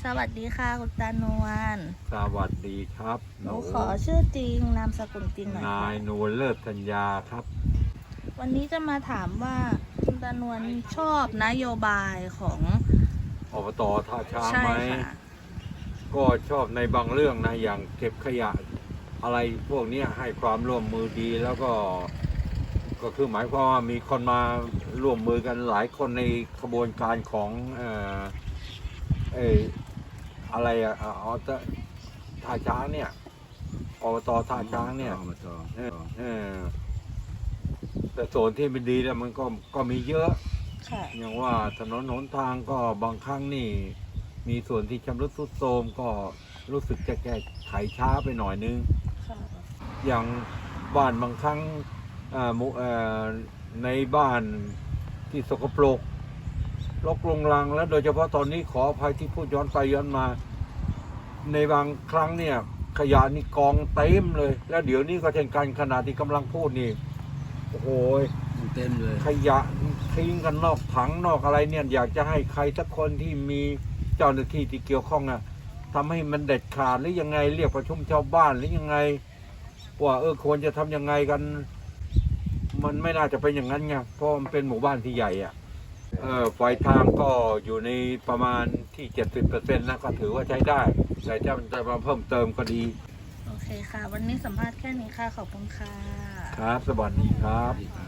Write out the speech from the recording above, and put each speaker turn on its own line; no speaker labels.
สวัสดีค่ะคุณตานวล
สวัสดีครับ
หนูขอชื่อจริงนามสกุลจริงหน่อย
นา
ค่ะ
ยนวลเลิศธัญญาครับ
วันนี้จะมาถามว่าคุณตานวลชอบนโยบายของ
อบตท่าช้าง
ใช่
ไหม
ค่ะ
ก็ชอบในบางเรื่องนะอย่างเก็บขยะอะไรพวกนี้ให้ความร่วมมือดีแล้วก็คือหมายความว่ามีคนมาร่วมมือกันหลายคนในขบวนการของเอออะไรท่าช้างเนี่ยอบตท่าช้างเนี่ยเออเออแต่ส่วนที่ไม่ดีแล้วมันก็มีเยอะ
ค่ะ
อย่างว่าถนนหนทางก็บางครั้งนี่มีส่วนที่ชำรุดทรุดโทรมก็รู้สึกจะแก้ไขช้าไปหน่อยนึง
ค่ะ
อย่างบ้านบางครั้งในบ้านที่สกปรกรกรุงรังและโดยเฉพาะตอนนี้ขออภัยที่พูดย้อนไปย้อนมาในบางครั้งเนี่ยขยะนี่กองเต็มเลยแล้วเดี๋ยวนี้ก็เช่นกันขณะที่กำลังพูดนี่โอ้โห
เต็มเลย
ขยะทิ้งกันนอกถังนอกอะไรเนี่ยอยากจะให้ใครสักคนที่มีเจ้าหน้าที่ที่เกี่ยวข้องอะทำให้มันเด็ดขาดหรือยังไงเรียกประชุมชาวบ้านหรือยังไงว่าควรจะทำยังไงกันมันไม่น่าจะเป็นอย่างนั้นไงเพราะมันเป็นหมู่บ้านที่ใหญ่อะไฟทางก็อยู่ในประมาณที่ 70%นะก็ถือว่าใช้ได้แต่จะมาเพิ่มเติมก็ดี
โอเคค่ะ วันนี้สัมภาษณ์แค่นี้ค่ะขอบคุณค่ะ
ครับสวัสดีครับ
ดีครับ